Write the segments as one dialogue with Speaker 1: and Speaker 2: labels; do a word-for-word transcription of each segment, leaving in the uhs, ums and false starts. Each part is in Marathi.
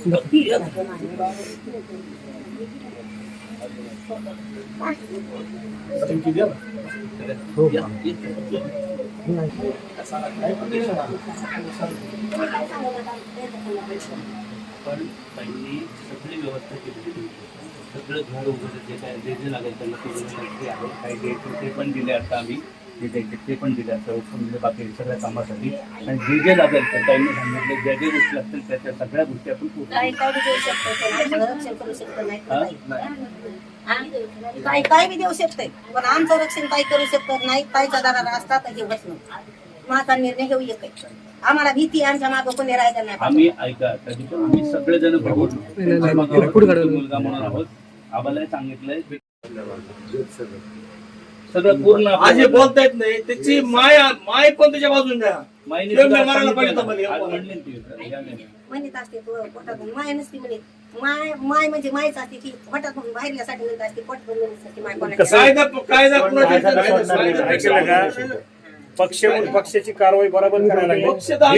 Speaker 1: पण त्यांनी सगळी व्यवस्था केली, सगळं घर वगैरे जे काय जे जे लागेल त्यांना ते आहे, काही द्यायचे ते पण दिले. आता आम्ही जे द्यायचे ते पण दिले, आता म्हणजे बाकी सगळ्या कामासाठी. आणि जे जे लागेल तर त्यांनी सांगितले ज्या ज्या गोष्टी असतील त्या त्या सगळ्या गोष्टी आपण
Speaker 2: काय काय बी देऊ पण आमचं रक्षण काही करू शकत नाही. ताईचा दाराला असतात हे बसणं माझा निर्णय घेऊ एक आम्हाला भीती आमच्या मागं कोणी राहायचं नाही.
Speaker 1: आम्ही ऐका आम्ही सगळेजण मुलगा म्हणून आहोत. आम्हाला सांगितलंय सगळं पूर्ण
Speaker 3: आज बोलता येत नाही त्याची माय माय पण त्याच्या बाजून द्या.
Speaker 1: मायने
Speaker 2: म्हणत असते पोटातून माय नसते म्हणे. माय माय म्हणजे मायच असते ती पोटातून बाहेरल्यासाठी म्हणत असते पोटातून म्हणत माय कोणाची
Speaker 4: पक्ष पक्षाची कारवाई बरोबर करायला लागली.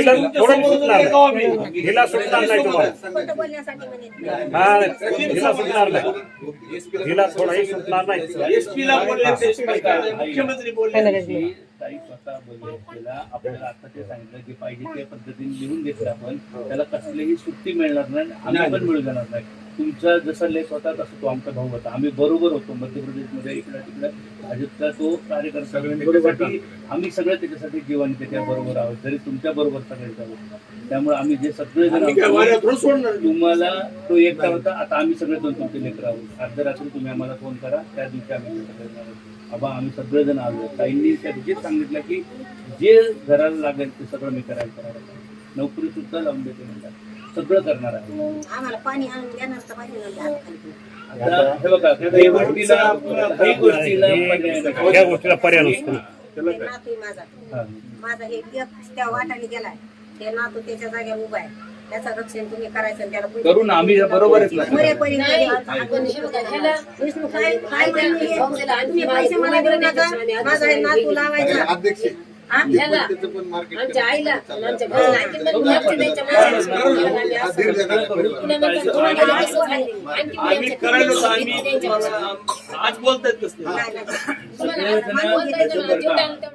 Speaker 4: हिला सुटणार नाही तुम्हाला,
Speaker 2: बोलण्यासाठी म्हणे
Speaker 4: हा हिला सुटणार नाही, हिला थोडाही सुटणार नाही.
Speaker 3: एसपीला मुख्यमंत्री बोलले,
Speaker 1: ताई स्वतः बोलले त्याला आपल्याला आता ते सांगितलं की पाहिजे त्या पद्धतीने लिहून घेतलं आपण, त्याला कसलीही सुट्टी मिळणार नाही, आम्ही पण मिळू जाणार नाही. तुमचा जसा लेख होता तसा तो आमचा भाऊ होता. आम्ही बरोबर होतो मध्य प्रदेशमध्ये इकडं तिकडं भाजपचा तो कार्यकर्ता. त्याच्यासाठी आम्ही सगळे त्याच्यासाठी जीवन त्याच्या बरोबर आहोत, जरी तुमच्या बरोबर सगळे आहोत. त्यामुळे आम्ही जे सगळे जण तुम्हाला तो एकटा होता, आता आम्ही सगळे दोन तुमचे लेकर आहोत. अर्ध्या रात्री तुम्ही आम्हाला फोन करा, त्या दिवशी आम्ही सगळे आबा आम्ही सगळेजण आलो. ताईंनी त्या दिवशीच सांगितलं की जे घराला लागेल ते सगळं मी करायला करायला नोकरी सुद्धा लावून देते म्हणतात, सगळं करणार आहे.
Speaker 2: आम्हाला पाणी आणून देणार तर पाहिजे
Speaker 1: हे बघा काही गोष्टीला काही गोष्टीला
Speaker 4: या गोष्टीला पर्याय नसतो.
Speaker 2: नातू माझा माझा हे त्या वाटाने गेलाय, ते नातू त्याच्या जागेवर उभा आहे. त्याचं रक्षण तुम्ही करायचं त्याला
Speaker 1: करून आम्ही बरोबरच
Speaker 2: मरेपर्यंत तुम्ही पैसे मला देऊ नका. माझा हे नातू लावायचा आमच्या आईला
Speaker 3: आम्ही करायला आज बोलतायत कसं